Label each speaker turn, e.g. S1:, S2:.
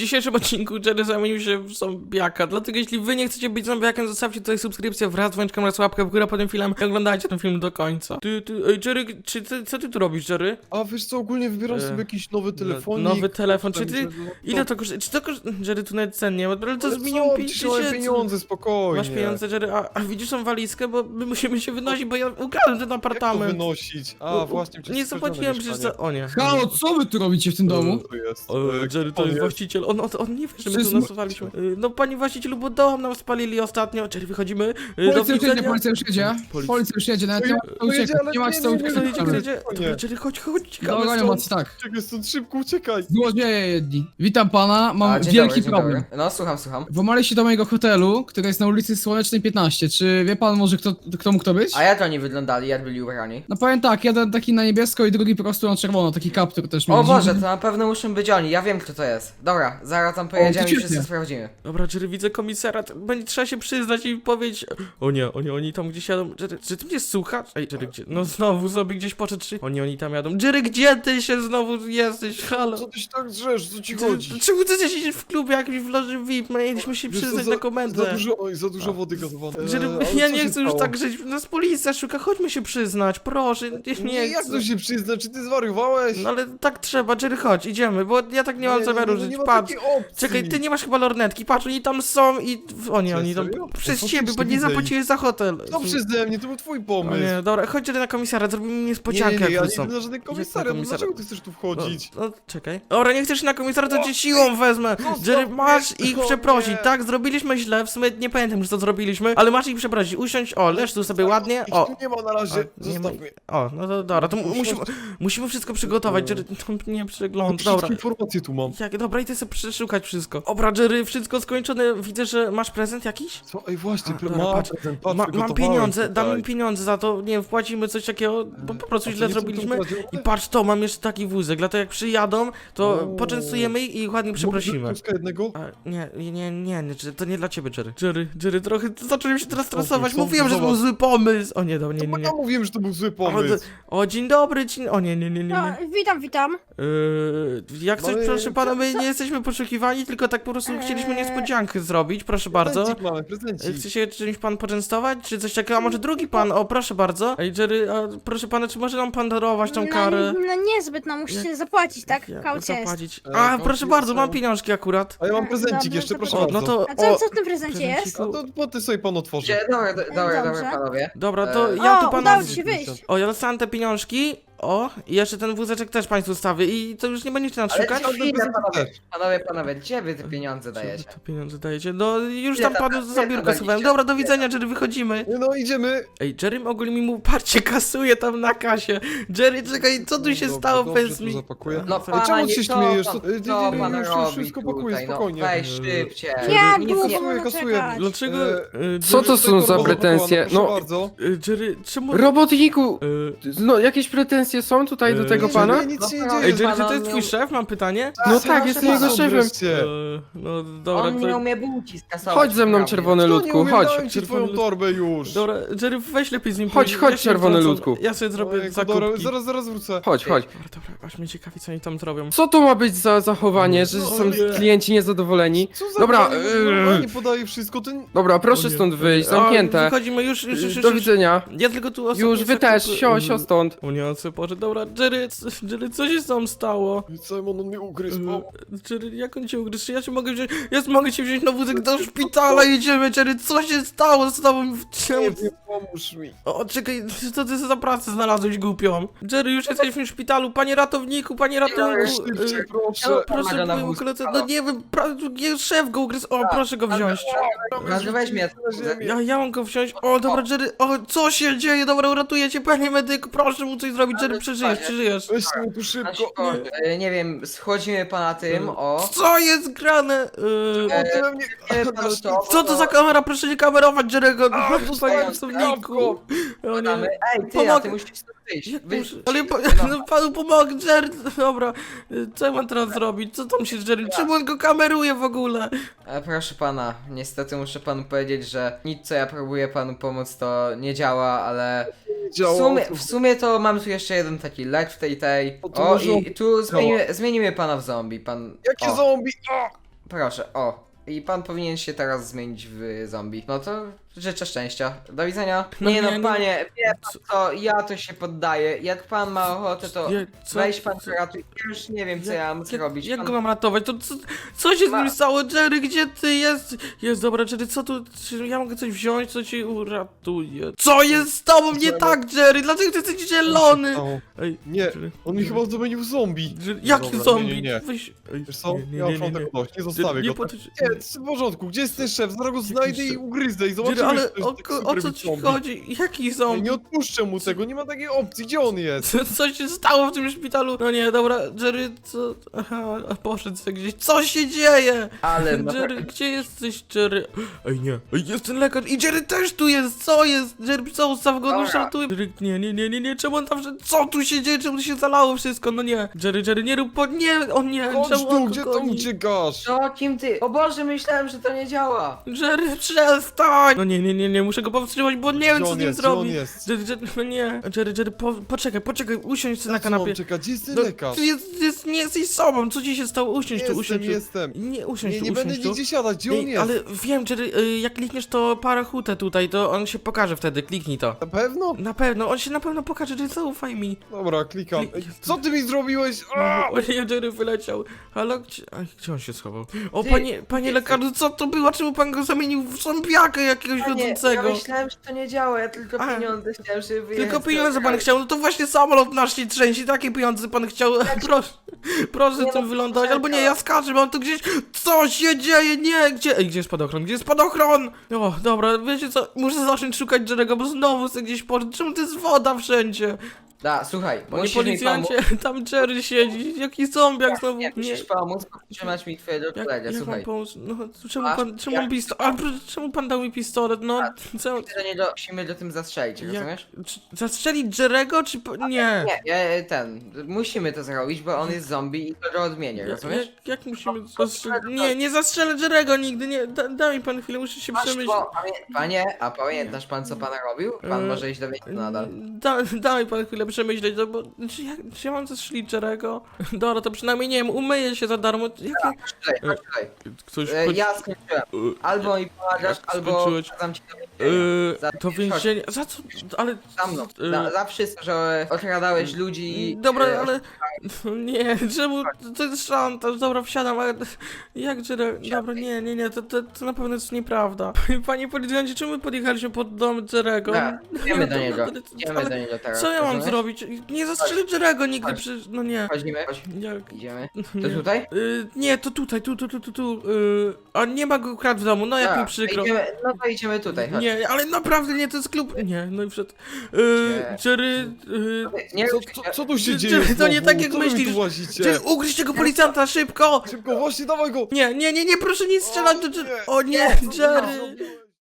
S1: dzisiejszym odcinku Jerry zamienił się w zombiaka, dlatego jeśli wy nie chcecie być zombiakiem, zostawcie tutaj subskrypcję wraz z dzwoneczkiem oraz łapkę w górę pod tym filmem i oglądajcie ten film do końca. Ej, Jerry, co ty tu robisz, Jerry?
S2: A wiesz co, ogólnie wybieram sobie jakiś nowy telefonik.
S1: Nowy telefon, czy ty...
S2: Myślę, że
S1: Ile to kosztuje? Czy to kosztuje? Jerry, tu nawet cen nie ma, ale to
S2: Ale
S1: z milion
S2: co,
S1: 5
S2: przecież mam pieniądze, spokojnie.
S1: Masz pieniądze, Jerry, a widzisz tą walizkę, bo my musimy się wynosić, bo ja ukradłem ten
S2: Jak to
S1: apartament.
S2: wynosić? A,
S1: No,
S2: właśnie, przecież
S1: nie zapłaciłem przecież za... O nie.
S3: Halo, co wy tu robicie w tym domu?
S2: To jest.
S1: Jerry to jest właściciel, on nie wie, że my tu
S3: Wszystko-
S1: nasowaliśmy. No panie właścicielu, bo dom nam spalili ostatnio. Jerry, wychodzimy. Do
S3: Policja już jedzie,
S1: widzenia.
S3: policja już jedzie. Policja już jedzie, nawet nie ma co
S2: To jedzie,
S3: uciekać.
S2: ale
S3: Nie ma co
S2: nie,
S3: uciekać.
S1: Kto jedzie, kto jedzie?
S2: Nie.
S1: Dobra, Jerry, chodź, ciekawe
S3: Dobra,
S1: stąd.
S3: macie tak.
S2: Czekaj, stąd szybko uciekaj.
S3: Złodzieje jedni. Witam pana, mam
S4: Dzień
S3: wielki
S4: dobry,
S3: problem.
S4: Dzień dobry. No, słucham.
S3: Włamaliście do mojego hotelu, który jest na ulicy Słonecznej 15. Czy wie pan może kto mógł to być?
S4: A jak oni wyglądali, jak byli ubrani?
S3: No powiem tak, jeden taki na niebiesko i drugi po prostu na czerwono, taki kaptur też
S4: O
S3: mieli.
S4: Boże, to na pewno muszą być oni, ja wiem kto to jest. Dobra, zaraz tam pojedziemy i
S3: świetnie.
S4: wszyscy sprawdzimy.
S1: Dobra, Jerry, widzę komisarat. Będzie trzeba się przyznać i powiedzieć. O nie, oni tam gdzieś jadą. Jerry, czy ty mnie słuchasz? Ej, Jerry, gdzie? No znowu sobie gdzieś poszedł. Oni tam jadą. Jerry, gdzie ty się znowu jesteś? Halo.
S2: Co ty się tak drzesz, co ci
S1: Jerry,
S2: chodzi?
S1: czemu ty siedzisz w klubie jakimś w loży VIP? Mieliśmy się
S2: Wiesz co,
S1: przyznać na komendę.
S2: za dużo wody gazowanej.
S1: Jerry,
S2: Ale
S1: ja
S2: co
S1: nie
S2: się
S1: chcę już
S2: stało?
S1: tak żyć. Nas policja szuka, chodźmy się przyznać, proszę.
S2: Nie, jak
S1: chcę.
S2: to się przyzna, czy ty zwariowałeś?
S1: No ale tak trzeba, Jerry, chodź, idziemy, bo ja tak nie mam zamiaru żyć.
S2: nie ma
S1: Patrz.
S2: takiej opcji.
S1: Czekaj, ty nie masz chyba lornetki, patrz, oni tam są i... O nie,
S2: Co,
S1: oni tam...
S2: serio?
S1: Przez
S2: No
S1: ciebie, bo
S2: faktycznie
S1: nie
S2: widzę
S1: zapłaciłeś za hotel.
S2: No przeze mnie, to był twój
S1: O
S2: pomysł.
S1: nie, dobra, chodź Jerry na komisariat, zrobimy niespodziankę
S2: ja
S1: jak
S2: nie
S1: wrócą.
S2: idę na żaden komisariat, no
S1: komisariat?
S2: dlaczego ty chcesz tu wchodzić?
S1: No, czekaj. Dobra, nie chcesz na komisariat, to cię siłą wezmę. Jerry, masz ich
S2: O
S1: przeprosić,
S2: nie.
S1: tak? Zrobiliśmy źle, w sumie nie pamiętam, że to zrobiliśmy, ale masz ich przeprosić. Usiądź, o, leż tu sobie ładnie,
S2: Ich
S1: o.
S2: tu nie ma na razie,
S1: nie ma-
S2: zostaw mnie.
S1: O, no to dobra, to musimy wszystko przygotować, Jerry, nie przegląd, dobra.
S2: Wszystkie informacje tu mam.
S1: Dobra, idę sobie przeszukać wszystko. Dobra, Jerry, wszystko skończone, widzę, że masz prezent jakiś?
S2: Co? Ej, właśnie,
S1: A, dobra, patrz.
S2: patrz,
S1: Mam pieniądze, dam im pieniądze za to, nie wiem, wpłacimy coś takiego, bo po prostu źle zrobiliśmy. I patrz to, mam jeszcze taki wózek, dlatego jak przyjadą, to
S2: O.
S1: poczęstujemy ich i ładnie przeprosimy.
S2: Kluska jednego?
S1: A, nie, to nie dla ciebie, Jerry. Jerry, trochę zacząłem się teraz stresować,
S2: co?
S1: mówiłem, że to był
S2: Zobacz.
S1: zły pomysł. O nie,
S2: Bo ja mówiłem, że to był zły pomysł.
S1: O, dzień dobry, o nie.
S5: No, witam.
S1: Jak coś,
S2: No i
S1: proszę pana, my
S2: co?
S1: nie jesteśmy poszukiwani, tylko tak po prostu chcieliśmy niespodziankę zrobić, proszę bardzo.
S2: Prezencik mamy, prezencik.
S1: Chce się czymś pan poczęstować, czy coś takiego, a może drugi pan, o proszę bardzo. Ej Jerry, a proszę pana, czy może nam pan darować tą karę?
S5: No niezbyt, no musicie zapłacić, tak? Kaucja jest.
S1: Zapłacić.
S2: E,
S1: A,
S2: kaucja
S1: proszę bardzo,
S2: są.
S1: mam pieniążki akurat.
S2: A ja mam prezencik
S5: Dobra,
S2: jeszcze,
S5: to
S2: proszę
S1: O,
S2: bardzo.
S1: no to,
S5: A co w tym prezencie jest?
S2: No to poty sobie pan otworzy.
S4: Dobra,
S5: Dobrze.
S4: panowie.
S1: dobra, to
S4: E,
S1: ja tu
S5: O,
S1: panu...
S5: udało ci się wyjść.
S1: O, ja dostałem te pieniążki. O, i jeszcze ten wózeczek też państwu stawię i to już nie będziecie nas
S4: Ale
S1: szukać.
S4: chwilę, panowie, gdzie wy te pieniądze dajecie?
S1: To pieniądze dajecie? No już
S4: Ile
S1: tam
S4: tam-
S1: panu
S4: ile
S1: za
S4: tam
S1: biurko
S4: daliście?
S1: schowałem. Dobra, do widzenia, Jerry, wychodzimy.
S2: No idziemy.
S1: Ej, Jerry ogólnie mi mówił, patrzcie, kasuje tam na kasie. Jerry, czekaj, co tu się
S2: Dobrze,
S1: stało,
S2: dobrze,
S1: powiedz
S2: to
S1: mi.
S2: zapakuję.
S4: No
S2: Ej,
S4: pana,
S2: czemu
S4: nie
S2: się
S4: to
S2: śmiejesz?
S4: pan-
S2: To-
S4: Co pan
S2: już
S4: robi
S2: wszystko pakuję,
S4: tutaj, no
S2: spokojnie.
S4: weź szybciej.
S5: Jak
S4: Nic
S5: długo
S4: nie-
S5: mamy
S2: kasuję.
S5: czekać?
S1: Dlaczego?
S6: Co to są za pretensje?
S2: No,
S6: No,
S2: bardzo.
S1: Jerry, czemu...
S6: robotniku!
S1: y,
S6: No, jakieś pretensje są tutaj do tego
S1: nie,
S6: pana?
S2: Nie, nic się nie
S4: No,
S2: dzieje.
S1: Ej, Jerry, czy to
S4: pana
S1: jest twój
S4: miał-
S1: szef? Mam pytanie.
S6: No tak, jestem jego szefem.
S2: Wreszcie.
S1: No dobra,
S4: On nie
S1: to...
S4: umie bułki skasować.
S6: Chodź ze mną,
S4: prawda?
S6: czerwony
S2: No nie
S6: ludku,
S2: umiem,
S6: chodź.
S2: dałem ci twoją torbę już.
S1: Dobra, Jerry, weź lepiej z nim
S6: Chodź,
S1: pójdź.
S6: chodź,
S1: Ja się
S6: czerwony
S1: wtrącam.
S6: ludku.
S1: Ja sobie zrobię
S2: Ojejku,
S1: zakupki.
S2: dobra, zaraz wrócę.
S6: Chodź, chodź.
S1: Dobra, aż mnie ciekawi, co oni tam zrobią.
S6: Co to ma być za zachowanie, że
S2: No,
S6: są
S2: nie.
S6: klienci niezadowoleni?
S2: Co za
S6: Dobra,
S2: nie podaje wszystko, ten...
S6: Dobra, proszę
S1: O nie.
S6: stąd wyjść,
S1: A,
S6: zamknięte.
S1: wychodzimy już.
S6: Do widzenia.
S1: Ja tylko tu ostatnio
S6: Już, wy też, sio stąd.
S1: O nie, co Boże, dobra, Jerry, co się z tą stało?
S2: Simon, on mnie ugryzł. O,
S1: Jerry, jak on cię ugryzł? Czy ja cię mogę wziąć? Ja mogę cię wziąć na wózek do szpitala, jedziemy, Jerry, co się stało z tobą?
S2: nie wiem, pomóż mi.
S1: O, czekaj, co ty za pracę znalazłeś głupią? Jerry, już jesteśmy w szpitalu, panie ratowniku, panie ratowniku.
S2: Szybciej, proszę.
S1: Proszę,
S4: Pomaga na
S1: mój
S4: wózku.
S1: koledze, no nie wiem, szef go ugryzł, o, proszę go wziąć.
S4: Może weź mnie.
S1: Ja mam go wziąć, o, dobra, Jerry, o, co się dzieje, dobra, uratuję cię, panie medyku, proszę mu coś zrobić, Jerry, przeżyjesz.
S2: Weź mnie tu szybko.
S4: Nie wiem, schodzimy pana tym, o.
S1: Co jest grane?
S2: Ty we mnie...
S1: Co to za kamera? Proszę nie kamerować Jerry'ego,
S2: A,
S1: panie
S2: dostałem
S1: pracowniku. O nie.
S4: Ej, ty,
S1: Pomogę.
S4: a ty musisz stąd wyjść.
S1: Jak
S4: Wyjść.
S1: muszę- Ale no, panu pomogę, Jerry, dobra, co ja mam teraz zrobić? Co tam się z Jerry? Czemu on go kameruje w ogóle?
S4: Proszę pana, niestety muszę panu powiedzieć, że nic co ja próbuję panu pomóc to nie działa, ale w sumie to mam tu jeszcze jeden taki lek w tej.
S2: O, to
S4: O
S2: może-
S4: i tu zmienimy pana w zombie, pan...
S2: Jakie
S4: o.
S2: zombie?
S4: proszę, o. I pan powinien się teraz zmienić w zombie. No to życzę szczęścia. Do widzenia.
S1: No
S4: Nie
S1: nie,
S4: no,
S1: nie.
S4: panie, wie pan co, ja to się poddaję. Jak pan ma ochotę, to
S1: Co-
S4: weź pan
S1: co-
S4: ratuj. Ja już nie wiem, co ja mam zrobić.
S1: Jak
S4: Pan-
S1: go mam ratować? To co się z nim stało? Jerry, gdzie ty jest? Jest, dobra, Jerry, co tu? Czy ja mogę coś wziąć, co ci uratuje? Co jest z tobą nie tak, Jerry? Dlaczego ty jesteś zielony? Ej,
S2: Nie,
S1: Jerry,
S2: on mi chyba zamienił w zombie.
S1: Jerry, jaki
S2: Dobra,
S1: zombie?
S2: nie.
S1: Weź, ej,
S2: Wiesz co?
S1: nie, nie,
S2: Ja
S1: nie,
S2: już mam
S1: nie,
S2: tego dość, nie
S1: Jerry,
S2: zostawię
S1: nie
S2: go.
S1: potycz...
S2: Nie, jest w porządku, gdzie jest ten szef? Zaraz go znajdę i ugryzę i
S1: Jerry,
S2: zobaczymy,
S1: ale
S2: czy to jest tak
S1: o
S2: super
S1: co
S2: być
S1: ci
S2: zombie.
S1: chodzi? Jaki
S2: Ja
S1: zombie?
S2: nie odpuszczę mu tego, nie ma takiej opcji, gdzie on jest?
S1: Co się stało w tym szpitalu? No nie, dobra, Jerry, co? Aha, poszedł sobie gdzieś. Co się dzieje?
S4: Ale no,
S1: Jerry, gdzie jesteś, Jerry? Ej, nie. Ej, jest ten lekarz i Jerry też tu jest. Co jest? Jerry, co? Ustaw go, no
S4: Dobra.
S1: szartuj. Jerry, nie. Czemu on tam wszedł? Co tu się dzieje? Czemu tu się zalało wszystko? No nie. Jerry, nie rób nie, on nie.
S2: Chodź
S1: Czemu
S2: tu,
S1: on
S2: gdzie
S1: go
S2: tam
S1: goni?
S2: uciekasz?
S4: co, kim ty? O Boże, myślałem, że to nie działa.
S1: Jerry, przestań! No nie, muszę go powstrzymać, bo nie wiem,
S2: Gdzie
S1: co
S2: on
S1: z nim
S2: jest? Gdzie on
S1: zrobić.
S2: jest?
S1: Jerry, no nie. Jerry, poczekaj, usiądź sobie na
S2: Na co mam
S1: kanapie.
S2: czekać? Gdzie jest ten
S1: No,
S2: lekarz?
S1: ty nie jesteś sobą, co ci się stało? Usiądź tu, usiądź tu.
S2: Jestem.
S1: Nie, usiądź
S2: Nie,
S1: tu,
S2: nie będę
S1: usiądź tu.
S2: nigdzie siadać, gdzie on
S1: Ej,
S2: jest?
S1: ale wiem, Jerry, jak klikniesz to parachutę tutaj, to on się pokaże wtedy, kliknij to.
S2: Na pewno?
S1: Na pewno, on się na pewno pokaże, Jerry, zaufaj mi.
S2: Dobra, klikam.
S1: Klik-
S2: Ej, co ty mi zrobiłeś? A!
S1: O nie, Jerry wyleciał. Halo, gdzie on się schował? O,
S4: Ty,
S1: panie
S4: ty-
S1: lekarzu, co to było? Czemu pan go zamienił w zombiaka jakiegoś
S4: Ja
S1: wiodącego?
S4: myślałem, że to nie działa, ja tylko
S1: A.
S4: pieniądze chciałem, żeby wyjechać.
S1: Tylko pieniądze pan chciał, no to właśnie samolot nasz się trzęsie, takie pieniądze pan chciał, proszę
S4: Nie
S1: tym
S4: no,
S1: wylądować, albo nie,
S4: czekaj.
S1: ja skaczę, mam tu gdzieś, co się dzieje, nie, gdzie jest spadochron, gdzie jest spadochron? O, dobra, wiecie co, muszę zacząć szukać Jerry'ego, bo znowu sobie gdzieś poszedł, czemu to jest woda wszędzie?
S4: Da, słuchaj,
S1: Panie
S4: musisz mi
S1: policjancie,
S4: pomóc.
S1: tam Jerry siedzi, jaki zombiak znowu,
S4: Nie, musisz pomóc, powstrzymać mi twojego kolegę,
S1: jak mam
S4: słuchaj.
S1: pomóc, no, czemu
S4: Masz-
S1: pan, czemu
S4: jak-
S1: mam pistolet, czemu pan dał mi pistolet, no, co,
S4: Musimy do tym zastrzelić, rozumiesz?
S1: zastrzelić Jerry'ego, czy, nie?
S4: Musimy to zrobić, bo on jest zombie i to go odmienię, rozumiesz?
S1: Jak musimy zastrzelić? Nie zastrzelę Jerry'ego nigdy, nie, daj mi pan chwilę, muszę się
S4: Masz,
S1: przemyśleć.
S4: bo, panie, a pamiętasz pan co pan robił? Pan może iść do więzienia nadal.
S1: Daj pan chwilę przemyśleć, no bo czy ja mam zastrzelić Jerry'ego? Dobra, to przynajmniej nie wiem, umyję się za darmo.
S4: Chodź tutaj.
S1: Ktoś
S4: Ja skończyłem. Albo mi pomagasz,
S1: Jak
S4: albo
S1: skończyłeś?
S4: dam ci do więzienia. Za-
S1: to więzienie, za co, ale...
S4: Za mną. Za wszystko, że okradałeś ludzi i...
S1: Dobra, ale... Nie, czemu, to jest szantaż, dobra, wsiadam, ale... Jak Jerry, dobra, nie, to na pewno jest nieprawda. Panie policjancie, czemu my podjechaliśmy pod dom Jerry'ego?
S4: Tak, idziemy do
S1: to-
S4: niego.
S1: ale-
S4: Idziemy
S1: ale
S4: do niego teraz.
S1: Co ja mam
S4: rozumiesz?
S1: zrobić? Nie zastrzelę Jerry'ego nigdy,
S4: Chodź.
S1: przecież, no nie.
S4: Chodzimy, chodź.
S1: Jak?
S4: Idziemy.
S1: Nie.
S4: To tutaj?
S1: Nie, to tutaj, tu. A nie ma go krat w domu, no jak mi
S4: Tak,
S1: przykro.
S4: no to idziemy tutaj, chodź.
S1: Nie, ale naprawdę nie, to jest klub. Nie, no i przed. Jerry.
S4: Nie,
S2: Co tu się
S1: Czy-
S2: dzieje
S1: czy to nie
S2: znowu?
S1: tak, jak
S2: Co wy mi
S1: myślisz?
S2: tu łazicie?
S1: Jerry, ugryź tego policjanta, szybko!
S2: Szybko, właśnie, dawaj go!
S1: Nie, proszę nie strzelać do Jerry. O nie,
S2: Co ty
S1: Jerry.
S2: zrobiłeś?